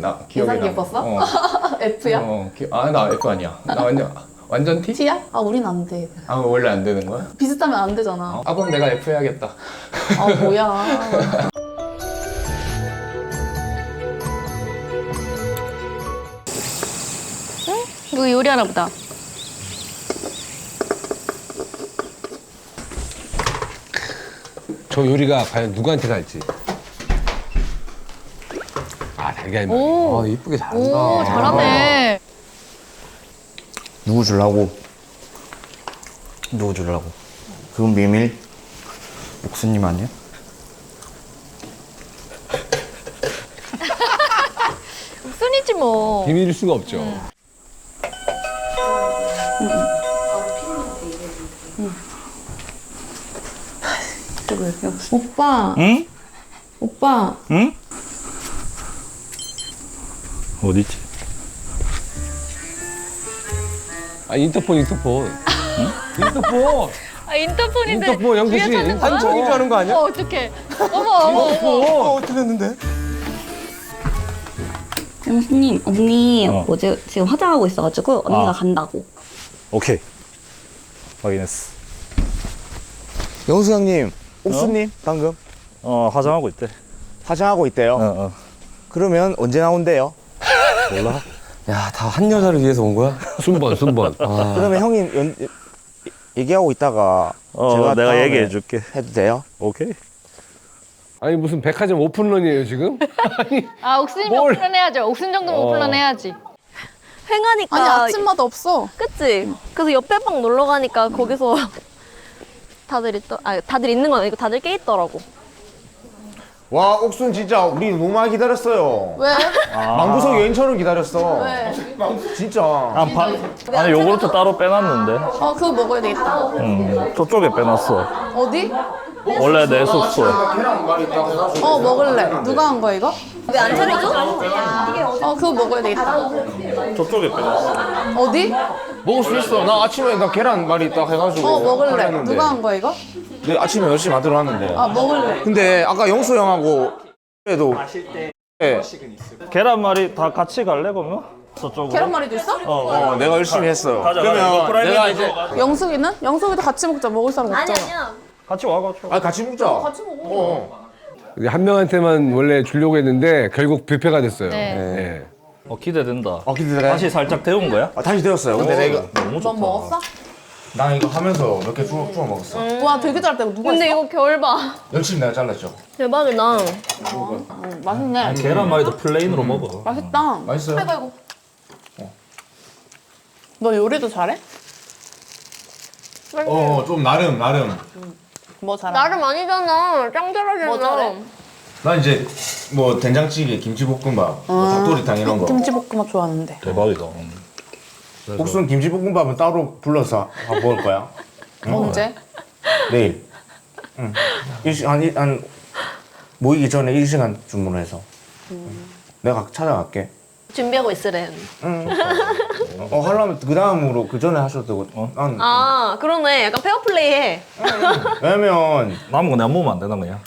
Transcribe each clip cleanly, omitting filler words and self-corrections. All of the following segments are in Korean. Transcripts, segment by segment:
나 기억이 인상 나. 깊었어? F야? 나 F 아니야. 나 완전 T? T야? 아 우린 안 돼. 아 원래 안 되는 거야? 비슷하면 안 되잖아. 아 그럼 내가 F 해야겠다. 아 뭐야. 이거 요리하나 보다. 저 요리가 과연 누구한테 갈지. 아, 달걀 맛. 오. 아, 이쁘게 잘한다. 오, 잘하네. 누구 주려고? 누구 주려고? 그건 비밀? 옥수님 아니야? 순이지 뭐. 비밀일 수가 없죠. 오빠. 응? 오빠. 응? 어디지? 아, 인터폰. 인터폰. 아, 인터폰인데. 인터폰, 영수 씨. 뒤에 찾는 거야? 한청인 줄 아는 거 아니야? 어떡해. 어머. 틀렸는데? 영수님, 언니 어제 지금 화장하고 있어가지고 언니가 간다고. 오케이. 확인했어. 영수 형님, 옥수님 방금 화장하고 있대. 화장하고 있대요. 그러면 언제 나온대요? 몰라? 야, 다 한 여자를 위해서 온 거야? 순번. 아. 그러면 형님 얘기하고 있다가 제가 내가 다음에 얘기해 줄게. 해도 돼요? 오케이. 아니, 무슨 백화점 오픈런이에요, 지금? 아, 옥순이면 뭘. 오픈런 해야죠. 옥순 정도면 오픈런 해야지. 횡하니까. 아니 아침마다 없어. 그치? 그래서 옆에 방 놀러 가니까 거기서 다들 있는 건 아니고 다들 깨 있더라고. 와 옥순 진짜 우리 너무 많이 기다렸어요. 왜? 망구석 여인처럼 기다렸어. 왜? 진짜. 아니 요구르트 따로 빼놨는데. 그거 먹어야 되겠다. 저쪽에 빼놨어. 어디? 원래 내 숙소. 먹을래. 누가 한 거야 이거? 왜 안 차려줘? 그거 먹어야 되겠다. 저쪽에 빼놨어. 어디? 먹을 수 있어. 나 아침에 나 계란말이 딱 해가지고. 먹을래. 하려는데. 누가 한 거야 이거? 내 아침에 열심히 만들어 놨는데. 먹을래. 근데 아까 영수 형하고 해도 계란말이 다 같이 갈래 그러면? 저쪽으로. 계란말이도 있어? 내가 열심히 했어. 가자. 그러면 내가 이제 영숙이는? 영숙이도 같이 먹자. 먹을 사람 아니 없잖아. 아니야. 같이 와가지고. 같이 먹자. 같이 먹어. 한 명한테만 원래 주려고 했는데 결국 뷔페가 됐어요. 네. 기대된다. 기대돼. 다시 살짝 데운 거야? 다시 되었어요. 근데 내가 너무 좋다. 넌 먹었어? 나 이거 하면서 몇 개 주워 먹었어. 와 되게 잘했다. 이거 누가 근데 했어? 이거 결봐. 열심히 내가 잘랐죠. 대박이다. 맛있네. 계란말이도 플레인으로 먹어. 맛있다. 맛있어요? 아이고. 너 요리도 잘해? 좀 나름. 뭐 잘해? 나름 아니잖아. 짱 잘하잖아. 뭐 잘해? 나 이제 뭐 된장찌개, 김치볶음밥, 뭐 닭도리탕 이런 거. 김치볶음밥 좋아하는데. 대박이다. 옥순 김치볶음밥은 따로 불러서 한번 먹을 거야. 언제? 내일. 응. 한 모이기 전에 1시간 주문해서. 내가 찾아갈게. 준비하고 있으래. 하려면 그 다음으로 그 전에 하셔도 되고. 난 아 그러네. 약간 페어플레이 해. 왜냐면 남은 거 내가 먹으면 안 되나 그냥?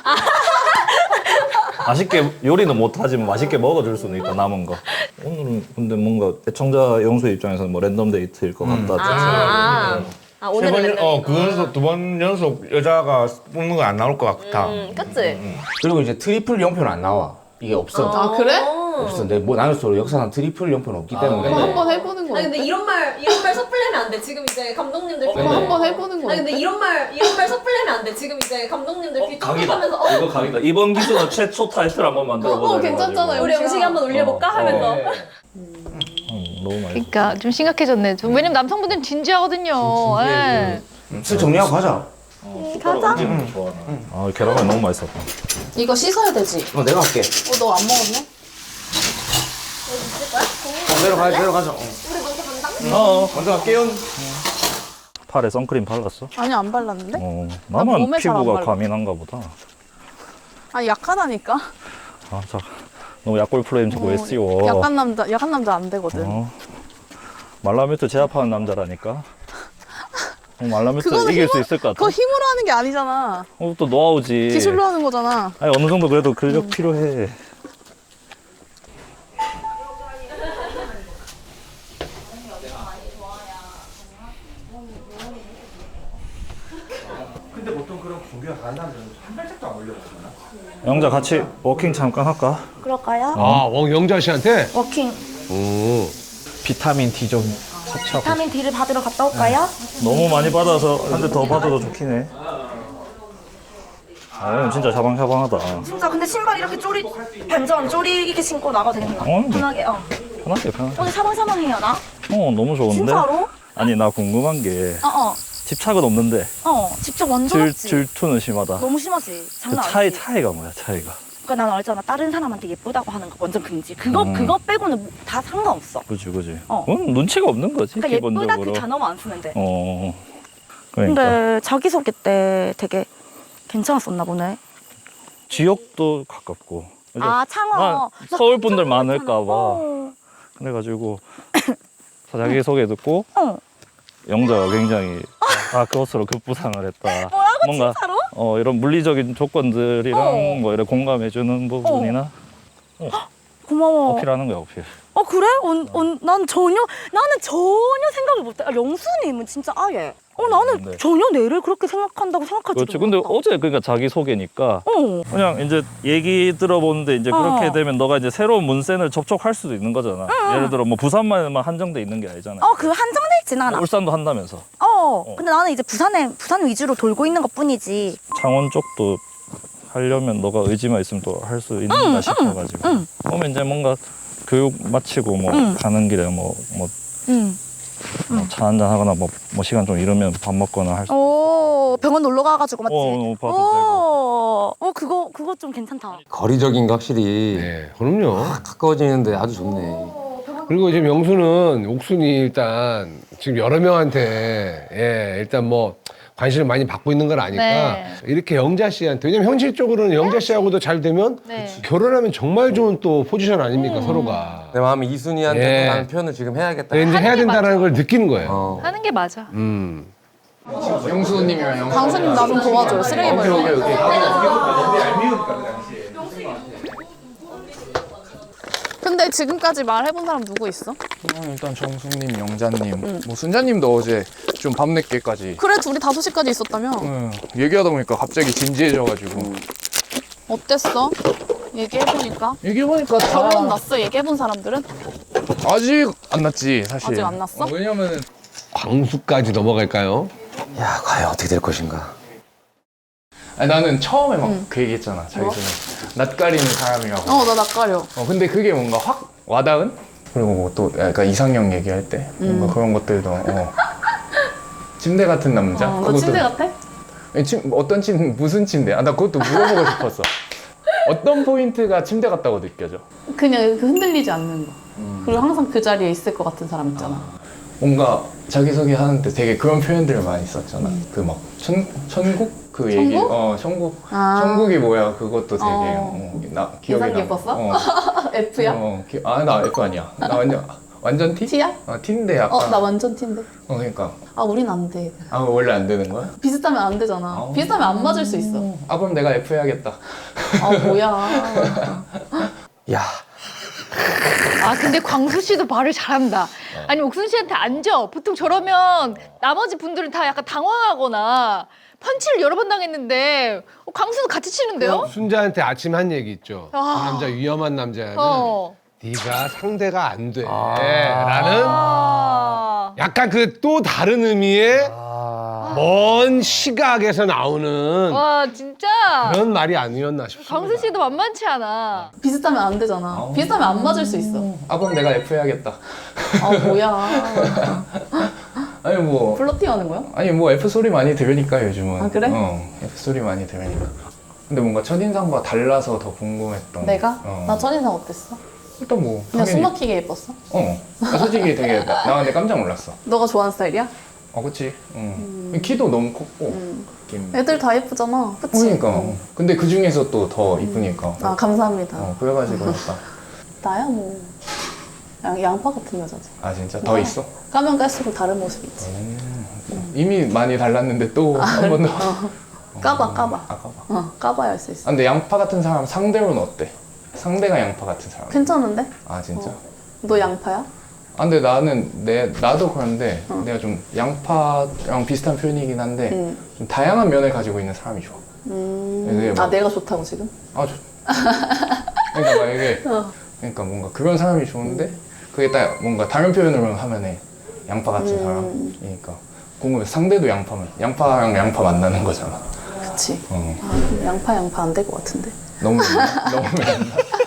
맛있게 요리는 못하지만 맛있게 먹어줄 수는 있다 남은 거. 오늘은 근데 뭔가 애청자 영수 입장에서는 뭐 랜덤 데이트일 것 같다. 오늘은 맨날. 그 연속 2번 연속 여자가 뽑는 거 안 나올 것 같아. 그치? 그리고 이제 트리플 영표는 안 나와. 이게 없어. 아 그래? 없어. 근데 뭐 나는 서로 역사상 트리플 영표는 없기 때문에. 그럼 한번 해보는 거 아니 근데 어때? 이런 말 섣불리면 안 돼. 지금 이제 감독님들 그럼 한번 해보는 거 아니 근데 어때? 이런 말 섣불리면 안 돼. 지금 이제 감독님들 귀 각이다. 촉촉하면서 이거 각이다. 이번 기수는 최초 타이틀 한번 만들어보자. 괜찮잖아요. 우리 영식이 한번 올려볼까 하면서 너무 맛있어. 그러니까 좀 심각해졌네. 왜냐면 남성분들은 진지하거든요. 예. 슬 정리하고 가자. 가자. 아 계란말 너무 맛있었다. 이거 씻어야 되지? 내가 할게. 너 안 먹었네? 내려가자. 먼저 갈게요. 팔에 선크림 발랐어? 아니 안 발랐는데? 나만 몸에 잘안 피부가 발라. 과민한가 보다. 아니 약하다니까? 너무 약골 프레임 자꾸 왜 씌워? 약한 남자 안 되거든. 말라뮤트 제압하는 남자라니까. 말라뮤트 그거는 이길 수 있을 것 같아. 그거 힘으로 하는 게 아니잖아. 또 노하우지. 기술로 하는 거잖아. 아니 어느 정도 그래도 근력 필요해. 영자 같이 워킹 잠깐 할까? 그럴까요? 아, 영자 씨한테? 워킹. 오. 비타민 D 좀 섭취하고. 비타민 D를 받으러 갔다 올까요? 너무 많이 받아서 한 대 더 받아도 좋긴 해. 아, 얘는 진짜 샤방샤방하다. 진짜 근데 신발 이렇게 반전 쪼리 이렇게 신고 나가도 되는 거야? 네. 편하게. 편하게 편하게. 오늘 사방사방해요 나? 너무 좋은데? 진짜로? 아니 나 궁금한 게 어어. 집착은 없는데 직접 완전 왔지. 질투는 심하다. 너무 심하지. 그 장난 아니지. 차이가 뭐야 차이가? 그러니까 난 알잖아. 다른 사람한테 예쁘다고 하는 거 완전 금지. 그거 빼고는 다 상관없어. 그지. 어. 그건 눈치가 없는 거지 그러니까 예쁘다 기본적으로. 그 단어만 안 쓰면 돼. 그러니까 근데 자기소개 때 되게 괜찮았었나 보네. 지역도 가깝고. 그죠? 아 창어. 난 나 서울 깜짝 분들 놀랐잖아. 많을까 봐. 그래가지고 자기 소개 듣고 어. 영자가 굉장히 그것으로 급부상을 했다. 뭐라고 뭔가 진짜로? 이런 물리적인 조건들이랑 뭐 이런 공감해주는 부분이나 고마워. 어필하는 거야 어필. 그래? 나는 전혀 생각을 못해. 영수님은 진짜 아예. 나는 네. 전혀 내를 그렇게 생각한다고 생각하지도 그렇지. 근데 못했다. 어제 그러니까 자기 소개니까 그냥 이제 얘기 들어보는데 이제 그렇게 되면 너가 이제 새로운 문센을 접촉할 수도 있는 거잖아. 예를 들어 뭐 부산만 한정돼 있는 게 아니잖아. 그 한정돼 있진 않아. 울산도 한다면서. 근데 나는 이제 부산 위주로 돌고 있는 것 뿐이지. 창원 쪽도 하려면 너가 의지만 있으면 또 할 수 있는가 싶어가지고. 그러면 이제 뭔가 교육 마치고 뭐 가는 길에 차 한잔 하거나 뭐 시간 좀 이르면 밥 먹거나 할 수. 병원 놀러 가가지고 맞지? 봐도 그거 좀 괜찮다. 거리적인 게 확실히 네, 그럼요. 가까워지는데 아주 좋네. 그리고 지금 영수는 옥순이 일단 지금 여러 명한테 일단 뭐 관심을 많이 받고 있는 걸 아니까 네. 이렇게 영자 씨한테 왜냐면 현실적으로는 영자 씨하고도 잘 되면 네. 결혼하면 정말 좋은 또 포지션 아닙니까 서로가. 내 마음이 이순이한테 예. 라는 표현을 지금 해야겠다. 근데 이제 해야 된다는 걸 느끼는 거예요. 하는 게 맞아. 영수님이랑 강수님 나 좀 도와줘요. 쓰레기 버려. 근데 지금까지 말해본 사람 누구 있어? 일단 정숙님, 영자님, 뭐 순자님도 어제 좀 밤늦게까지 그래 둘이 5시까지 있었다며? 얘기하다 보니까 갑자기 진지해져가지고 어땠어? 얘기해보니까? 얘기해보니까 결론 났어? 얘기해본 사람들은? 아직 안 났지 사실. 아직 안 났어? 왜냐면은 광수까지 넘어갈까요? 야, 과연 어떻게 될 것인가. 나는 처음에 막 그 얘기했잖아 자기 전에 낯가리는 사람이라고. 나 낯가려. 근데 그게 뭔가 확 와닿은? 그리고 뭐 또 약간 이상형 얘기할 때 뭔가 그런 것들도 침대 같은 남자? 너 침대 같아? 어떤 침대, 무슨 침대? 나 그것도 물어보고 싶었어. 어떤 포인트가 침대 같다고 느껴져? 그냥 그 흔들리지 않는 거. 그리고 항상 그 자리에 있을 것 같은 사람 있잖아. 뭔가 자기소개 하는데 되게 그런 표현들을 많이 썼잖아. 그 막 천국? 그 얘기. 천국. 천국이 뭐야? 그것도 되게 나 기억이 인상 나. 깊었어? F야? 나 F 아니야. 나 완전 T? T야? T인데 약간. 나 완전 T인데. 그러니까. 우린 안 돼. 원래 안 되는 거야? 비슷하면 안 되잖아. 비슷하면 안 맞을 수 있어. 그럼 내가 F 해야겠다. 뭐야. 야, 근데 광수 씨도 말을 잘한다. 아니 옥순 씨한테 앉아. 보통 저러면 나머지 분들은 다 약간 당황하거나 펀치를 여러 번 당했는데 광수도 같이 치는데요? 순자한테 아침에 한 얘기 있죠. 그 남자 위험한 남자는 네가 상대가 안 돼. 라는 약간 그 또 다른 의미의 먼 시각에서 나오는 와 진짜 그런 말이 아니었나 싶습니다. 광수 씨도 만만치 않아. 비슷하면 안 되잖아. 비슷하면 안 맞을 수 있어. 그럼 내가 F 해야겠다. 뭐야. 아니 뭐 플러팅 하는 거야? 아니 뭐 F 소리 많이 들으니까 요즘은. 그래? F 소리 많이 들으니까. 근데 뭔가 첫인상과 달라서 더 궁금했던. 내가? 나 첫인상 어땠어? 일단 뭐 그냥 당연히. 숨막히게 예뻤어? 나 솔직히 되게 나 근데 깜짝 놀랐어. 너가 좋아하는 스타일이야? 그치. 키도 너무 컸고. 애들 다 예쁘잖아. 그치? 그러니까. 근데 그 중에서 또 더 이쁘니까. 감사합니다. 그래가지고 약간. 나야 뭐 양파 같은 여자지. 진짜 더 있어? 까면 깔수록 다른 모습 있지. 이미 많이 달랐는데 또 한 번 더. 까봐. 까봐야 할 수 있어. 근데 양파 같은 사람 상대로는 어때? 상대가 양파 같은 사람. 괜찮은데? 진짜? 너 양파야? 근데 나도 그런데 내가 좀 양파랑 비슷한 표현이긴 한데 좀 다양한 면을 가지고 있는 사람이 좋아. 이게 막- 내가 좋다고 지금? 아, 그러니까 막 이게 그러니까 뭔가 그런 사람이 좋은데 그게 딱 뭔가 다른 표현으로 하면은 양파 같은 사람이니까 궁금해. 상대도 양파면 양파랑 양파 만나는 거잖아. 그치. 어. 양파 안 될 것 같은데. 너무 너무